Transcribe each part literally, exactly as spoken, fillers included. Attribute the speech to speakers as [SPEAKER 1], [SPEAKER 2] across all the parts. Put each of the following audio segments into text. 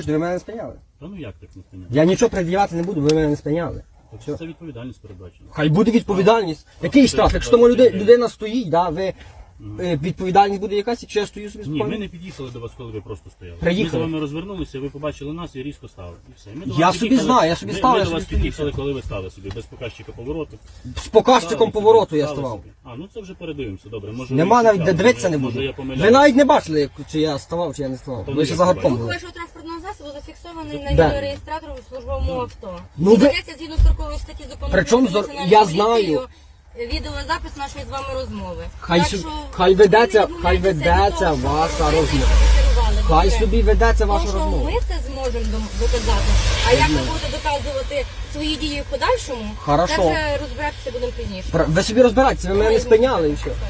[SPEAKER 1] хочете, ви мене не спиняли.
[SPEAKER 2] Та ну як так не спиняли?
[SPEAKER 1] Я нічого пред'являти не буду, ви мене не спиняли.
[SPEAKER 2] Так це відповідальність передбачена.
[SPEAKER 1] Хай буде відповідальність. Який штраф? Якщо тому люди- людина стоїть, да, ви, е, відповідальність буде якась, якщо я стою собі
[SPEAKER 2] Ні, ми
[SPEAKER 1] спокійно?
[SPEAKER 2] не під'їхали до вас, коли ви просто стояли.
[SPEAKER 1] Приїхали.
[SPEAKER 2] Ми з вами розвернулися, ви побачили нас і різко стали. І все. Ми до
[SPEAKER 1] Я
[SPEAKER 2] вас
[SPEAKER 1] собі
[SPEAKER 2] під'їхали-
[SPEAKER 1] знаю, я собі
[SPEAKER 2] ми-
[SPEAKER 1] став,
[SPEAKER 2] Ми
[SPEAKER 1] я
[SPEAKER 2] до вас
[SPEAKER 1] собі
[SPEAKER 2] під'їхали,
[SPEAKER 1] стою.
[SPEAKER 2] коли ви стали собі, без показчика повороту.
[SPEAKER 1] З показчиком
[SPEAKER 2] Стали
[SPEAKER 1] повороту
[SPEAKER 2] собі,
[SPEAKER 1] я
[SPEAKER 2] стали
[SPEAKER 1] ставав.
[SPEAKER 2] собі. А, ну це вже передивимося, добре. Може,
[SPEAKER 1] Нема
[SPEAKER 2] ви
[SPEAKER 1] навіть,
[SPEAKER 2] кричали,
[SPEAKER 1] де дивитися не
[SPEAKER 2] може,
[SPEAKER 1] буду.
[SPEAKER 2] я помиляюсь.
[SPEAKER 1] Ви навіть не бачили, як- чи я ставав, чи я не ставав.
[SPEAKER 2] То
[SPEAKER 1] Ви
[SPEAKER 2] ви
[SPEAKER 1] ще
[SPEAKER 2] як
[SPEAKER 1] загадком
[SPEAKER 2] бачите?
[SPEAKER 1] були.
[SPEAKER 3] Рух вашого транспортного засобу зафіксований на
[SPEAKER 1] Де?
[SPEAKER 3] відеореєстратору в службовому авто.
[SPEAKER 1] Ну,
[SPEAKER 3] І
[SPEAKER 1] ви-
[SPEAKER 3] ведеться згідно строкової статті закону
[SPEAKER 1] Причому
[SPEAKER 3] про
[SPEAKER 1] зо-
[SPEAKER 3] національну
[SPEAKER 1] я
[SPEAKER 3] поліцію,
[SPEAKER 1] знаю.
[SPEAKER 3] відеозапис нашої з вами розмови.
[SPEAKER 1] Хай
[SPEAKER 3] Так
[SPEAKER 1] сю-
[SPEAKER 3] що
[SPEAKER 1] хай ведеться-
[SPEAKER 3] ви не
[SPEAKER 1] хай
[SPEAKER 3] відмовляйтеся від
[SPEAKER 1] ведеться
[SPEAKER 3] того, що
[SPEAKER 1] ваша
[SPEAKER 3] ви
[SPEAKER 1] розмова.
[SPEAKER 3] керували.
[SPEAKER 1] Хай
[SPEAKER 3] Добре?
[SPEAKER 1] собі ведеться ваша
[SPEAKER 3] Тому що
[SPEAKER 1] розмова.
[SPEAKER 3] ми це зможемо дом- доказати. А як ви будете доказувати свої дії в подальшому,
[SPEAKER 1] Хорошо.
[SPEAKER 3] це вже розбиратися будемо пізніше.
[SPEAKER 1] Пр- Ви собі розбирайтеся, ви мене не спиняли і все.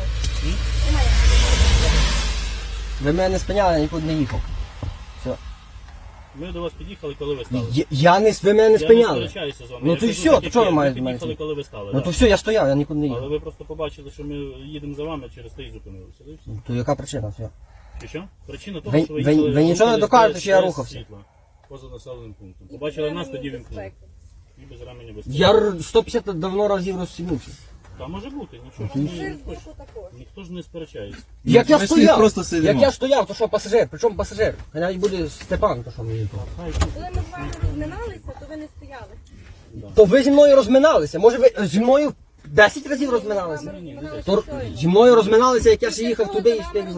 [SPEAKER 1] Ви мене не спиняли, я нікуди не їхав. Все.
[SPEAKER 2] Ми до вас під'їхали, коли ви стали.
[SPEAKER 1] Я, я не, ви мене не
[SPEAKER 2] Я не
[SPEAKER 1] спиняли.
[SPEAKER 2] сперечаюся з вами.
[SPEAKER 1] Ну
[SPEAKER 2] Я
[SPEAKER 1] то й
[SPEAKER 2] кажу,
[SPEAKER 1] все,
[SPEAKER 2] так,
[SPEAKER 1] то
[SPEAKER 2] як
[SPEAKER 1] чого
[SPEAKER 2] є.
[SPEAKER 1] ви
[SPEAKER 2] Ми
[SPEAKER 1] маєте з мене?
[SPEAKER 2] під'їхали, коли ви стали.
[SPEAKER 1] Ну
[SPEAKER 2] да.
[SPEAKER 1] то все, я стояв, я нікуди не
[SPEAKER 2] Але
[SPEAKER 1] їхав.
[SPEAKER 2] ви просто побачили, що ми їдемо за вами, через те і зупинилися. Да і все.
[SPEAKER 1] То яка причина? Все.
[SPEAKER 2] Чи що? Причина того,
[SPEAKER 1] Ви-
[SPEAKER 2] що ви
[SPEAKER 1] ви-
[SPEAKER 2] їхали,
[SPEAKER 1] ви нічого не
[SPEAKER 2] рухались
[SPEAKER 1] докажете,
[SPEAKER 2] без-
[SPEAKER 1] що я
[SPEAKER 2] без
[SPEAKER 1] рухався?
[SPEAKER 2] світла, поза населеним пунктом. Побачили нас, тоді вімкнули. І без ремені безпеки.
[SPEAKER 1] Я р- сто п'ятдесят давно разів розсінувся.
[SPEAKER 2] Та може бути, нічого ж не, ніхто, ж, ніхто ж не сперечається.
[SPEAKER 1] Як я
[SPEAKER 4] Ми всі
[SPEAKER 1] стояв,
[SPEAKER 4] просто сидимо.
[SPEAKER 1] як я стояв, то що пасажир, причому пасажир? Хай навіть буде Степан, то що мені то.
[SPEAKER 2] Хай
[SPEAKER 3] Коли ми з вами розминалися, то ви не стояли.
[SPEAKER 1] То ви зі мною розминалися, може ви зі мною десять разів розминалися? То зі мною розминалися, як я ще їхав туди і стиг.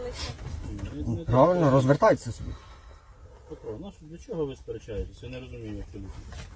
[SPEAKER 1] Правильно, розвертайтеся собі.
[SPEAKER 2] Петро, ну, для чого ви сперечаєтесь? Я не розумію абсолютно.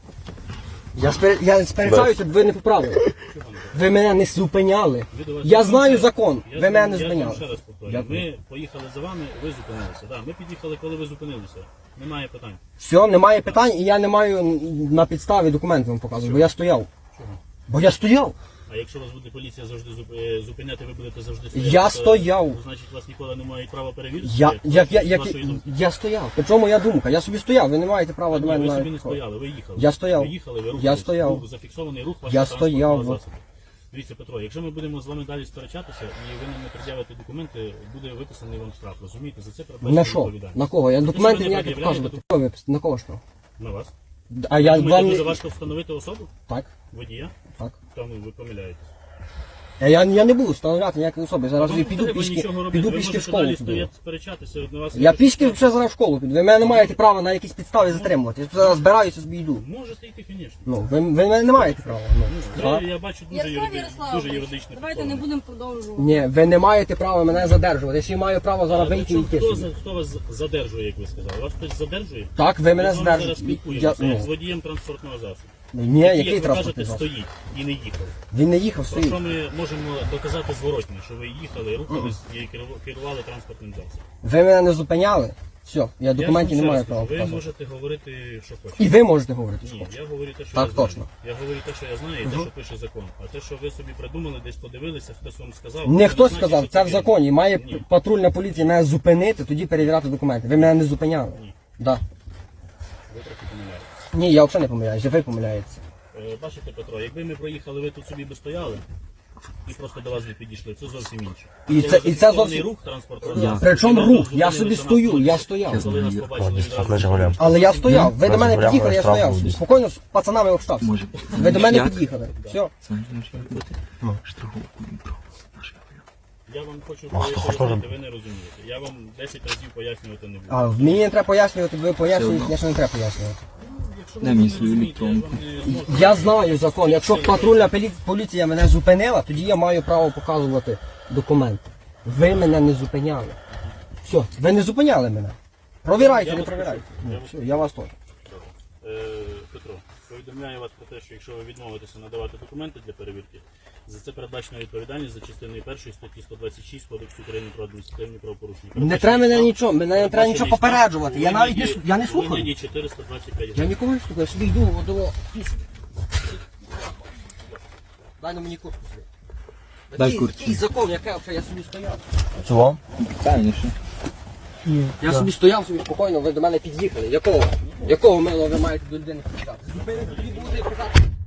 [SPEAKER 1] Я, спер... я сперечаюся, бо ви не поправили.
[SPEAKER 2] Чого не
[SPEAKER 1] Ви мене не зупиняли.
[SPEAKER 2] Ви до вас-
[SPEAKER 1] Я знаю закон,
[SPEAKER 2] Я
[SPEAKER 1] ви
[SPEAKER 2] ж-
[SPEAKER 1] мене не
[SPEAKER 2] я ж вам
[SPEAKER 1] зупиняли.
[SPEAKER 2] ще раз повторюю.
[SPEAKER 1] Дякую.
[SPEAKER 2] Ми поїхали за вами, ви зупинилися. Да, ми під'їхали, коли ви зупинилися. Немає питань.
[SPEAKER 1] Все, немає питань, і я не маю на підставі документи вам показувати, бо я стояв.
[SPEAKER 2] Чого?
[SPEAKER 1] Бо я стояв.
[SPEAKER 2] А якщо вас буде поліція завжди зуп- е, зупиняти, ви будете завжди стояти.
[SPEAKER 1] Я
[SPEAKER 2] то,
[SPEAKER 1] стояв.
[SPEAKER 2] Значить, вас ніколи не мають права перевірити?
[SPEAKER 1] Я,
[SPEAKER 2] Як-
[SPEAKER 1] як, я,
[SPEAKER 2] з
[SPEAKER 1] як,
[SPEAKER 2] вашої думки?
[SPEAKER 1] я стояв. Причому моя думка, я собі стояв, ви не маєте права до
[SPEAKER 2] Ні,
[SPEAKER 1] мене
[SPEAKER 2] ви собі
[SPEAKER 1] навіть
[SPEAKER 2] не
[SPEAKER 1] підходити.
[SPEAKER 2] стояли, ви їхали.
[SPEAKER 1] Я стояв.
[SPEAKER 2] Ви їхали, ви
[SPEAKER 1] Я
[SPEAKER 2] рухались.
[SPEAKER 1] стояв.
[SPEAKER 2] Був зафіксований рух вашого
[SPEAKER 1] Я
[SPEAKER 2] транспортного
[SPEAKER 1] стояв.
[SPEAKER 2] засобу. Дивіться, Петро, якщо ми будемо з вами далі сперечатися і ви нам не пред'явите документи, буде виписаний вам штраф. Розумієте? За це передбачена
[SPEAKER 1] На що?
[SPEAKER 2] відповідальність.
[SPEAKER 1] На кого? Я
[SPEAKER 2] що
[SPEAKER 1] документи
[SPEAKER 2] ви не
[SPEAKER 1] ніякі
[SPEAKER 2] пред'являєте
[SPEAKER 1] показувати. Кого ви пис- На кого що?
[SPEAKER 2] На вас.
[SPEAKER 1] А я
[SPEAKER 2] Думаєте,
[SPEAKER 1] вам...
[SPEAKER 2] дуже
[SPEAKER 1] не-
[SPEAKER 2] важко встановити особу?
[SPEAKER 1] Так,
[SPEAKER 2] Водія?
[SPEAKER 1] так.
[SPEAKER 2] Тому ви помиляєтесь.
[SPEAKER 1] Я, я, я не буду встановляти ніякої особи. Зараз
[SPEAKER 2] Вам
[SPEAKER 1] я
[SPEAKER 2] не
[SPEAKER 1] піду
[SPEAKER 2] треба
[SPEAKER 1] пішки,
[SPEAKER 2] нічого робити.
[SPEAKER 1] піду
[SPEAKER 2] Ви
[SPEAKER 1] пішки в
[SPEAKER 2] можете
[SPEAKER 1] школу.
[SPEAKER 2] далі
[SPEAKER 1] піду.
[SPEAKER 2] стояти, сперечатися. На вас
[SPEAKER 1] Я
[SPEAKER 2] ніхто
[SPEAKER 1] пішки
[SPEAKER 2] штраф-
[SPEAKER 1] вже зараз в школу піду. Ви мене не маєте права на якісь підстави затримувати. Я зараз збираюся, собі йду.
[SPEAKER 2] Можете йти, звісно.
[SPEAKER 1] Ну, ви, ви мене не маєте права. Ну, так.
[SPEAKER 2] Я бачу дуже,
[SPEAKER 3] Ярослав
[SPEAKER 2] юриди... дуже
[SPEAKER 3] Ярославович,
[SPEAKER 2] юридичне
[SPEAKER 3] давайте не будемо продовжувати.
[SPEAKER 1] Ні, ви не маєте права мене задержувати. Я ще й маю право зараз вийти і
[SPEAKER 2] Хто,
[SPEAKER 1] йти
[SPEAKER 2] хто,
[SPEAKER 1] собі.
[SPEAKER 2] хто вас задержує, як ви сказали? Вас хтось задержує?
[SPEAKER 1] Так, ви мене
[SPEAKER 2] Ми з вами зараз
[SPEAKER 1] задержуєте. Я,
[SPEAKER 2] спілкуємося, як з
[SPEAKER 1] ну,
[SPEAKER 2] водієм транспортного засобу.
[SPEAKER 1] ні,
[SPEAKER 2] Який,
[SPEAKER 1] який
[SPEAKER 2] як ви
[SPEAKER 1] транспортний
[SPEAKER 2] кажете,
[SPEAKER 1] засіб?
[SPEAKER 2] стоїть і не їхав.
[SPEAKER 1] Він не їхав,
[SPEAKER 2] Про що
[SPEAKER 1] стоїть.
[SPEAKER 2] ми можемо доказати зворотні, що ви їхали, рухались і керу- керували транспортним засобом.
[SPEAKER 1] Ви мене не зупиняли. Все, я документів
[SPEAKER 2] Я
[SPEAKER 1] не
[SPEAKER 2] ж вам
[SPEAKER 1] маю
[SPEAKER 2] ще
[SPEAKER 1] права
[SPEAKER 2] раз кажу, ви
[SPEAKER 1] показувати.
[SPEAKER 2] можете говорити, що хочете.
[SPEAKER 1] І ви можете говорити, що
[SPEAKER 2] Ні,
[SPEAKER 1] хочете.
[SPEAKER 2] я говорю те, що
[SPEAKER 1] Так,
[SPEAKER 2] я знаю.
[SPEAKER 1] точно.
[SPEAKER 2] Я говорю те, що я знаю, і те, що пише закон. А те, що ви собі придумали, десь подивилися, хтось вам сказав. це
[SPEAKER 1] Не хтось
[SPEAKER 2] значить,
[SPEAKER 1] сказав,
[SPEAKER 2] що
[SPEAKER 1] це в
[SPEAKER 2] вірно.
[SPEAKER 1] законі. Має
[SPEAKER 2] Ні.
[SPEAKER 1] патрульна поліція мене зупинити, тоді перевіряти документи. Ви мене не зупиняли.
[SPEAKER 2] Ні.
[SPEAKER 1] Да.
[SPEAKER 2] Ви трохи помиляєтесь.
[SPEAKER 1] Ні, я взагалі не помиляюся, ви помиляєтеся.
[SPEAKER 2] Е, Бачите, Петро, якби ми проїхали, ви тут собі би стояли і просто до вас би підійшли, це зовсім інше.
[SPEAKER 1] І це- і це зовсім-
[SPEAKER 2] рух транспортного засобу.
[SPEAKER 1] Причому
[SPEAKER 2] Ви
[SPEAKER 1] рух,
[SPEAKER 2] нас
[SPEAKER 1] я
[SPEAKER 2] зупинилися
[SPEAKER 1] собі
[SPEAKER 2] на
[SPEAKER 1] стою,
[SPEAKER 2] вулиці.
[SPEAKER 1] я стояв.
[SPEAKER 2] Коли нас побачили відразу.
[SPEAKER 4] Жигулям.
[SPEAKER 1] Але я стояв, ви до мене
[SPEAKER 4] Розмовляємо,
[SPEAKER 1] під'їхали, я
[SPEAKER 4] штраф
[SPEAKER 1] стояв.
[SPEAKER 4] буде.
[SPEAKER 1] собі. Спокійно з пацанами общався.
[SPEAKER 4] Може.
[SPEAKER 1] Ви до мене
[SPEAKER 4] Як?
[SPEAKER 1] під'їхали. Все.
[SPEAKER 4] Знаєте, може бути? Страховку про наш Жигулям.
[SPEAKER 2] Я вам хочу
[SPEAKER 4] А хто
[SPEAKER 2] пояснити,
[SPEAKER 4] хоче?
[SPEAKER 2] ви не розумієте. Я вам десять разів пояснювати не буду.
[SPEAKER 1] А мені не треба пояснювати, ви пояснюєте, я ще не треба пояснювати.
[SPEAKER 2] Якщо
[SPEAKER 4] Дай
[SPEAKER 2] ви
[SPEAKER 4] мені
[SPEAKER 2] не
[SPEAKER 4] свою
[SPEAKER 2] розумієте, я
[SPEAKER 4] електронку.
[SPEAKER 2] вам не зможу.
[SPEAKER 1] Я знаю закон. Якщо патрульна полі- поліція мене зупинила, тоді я маю право показувати документи. Ви мене не зупиняли. Все, ви не зупиняли мене. Провірайте,
[SPEAKER 2] Я
[SPEAKER 1] не
[SPEAKER 2] вас
[SPEAKER 1] провірайте.
[SPEAKER 2] почув.
[SPEAKER 1] Ну,
[SPEAKER 2] Я вас
[SPEAKER 1] все, я вас теж.
[SPEAKER 2] Е, Петро, повідомляю вас про те, що якщо ви відмовитеся надавати документи для перевірки, за це передбачена відповідальність за частиною першої статті сто двадцять шість Кодексу України про адміністративні правопорушення.
[SPEAKER 1] Не треба мене нічого, мене не треба
[SPEAKER 2] Передбачений
[SPEAKER 1] нічого
[SPEAKER 2] штраф
[SPEAKER 1] попереджувати. Я
[SPEAKER 2] у
[SPEAKER 1] навіть не
[SPEAKER 2] вигляді-
[SPEAKER 1] слу- я не
[SPEAKER 2] у
[SPEAKER 1] слухаю.
[SPEAKER 2] вигляді чотириста двадцять п'ять
[SPEAKER 1] Я
[SPEAKER 2] гривень.
[SPEAKER 1] нікого не слухаю, я собі йду до пісні. Дай на мені куртку собі.
[SPEAKER 4] Дай
[SPEAKER 1] Який-
[SPEAKER 4] куртку.
[SPEAKER 1] Який закон, яке взагалі я собі стояв?
[SPEAKER 4] Це вам? Конечно.
[SPEAKER 1] Я собі стояв собі спокійно, ви до мене під'їхали. Якого? Якого мило ви маєте до людини під'їхати? Зупинити, тоді буде казати.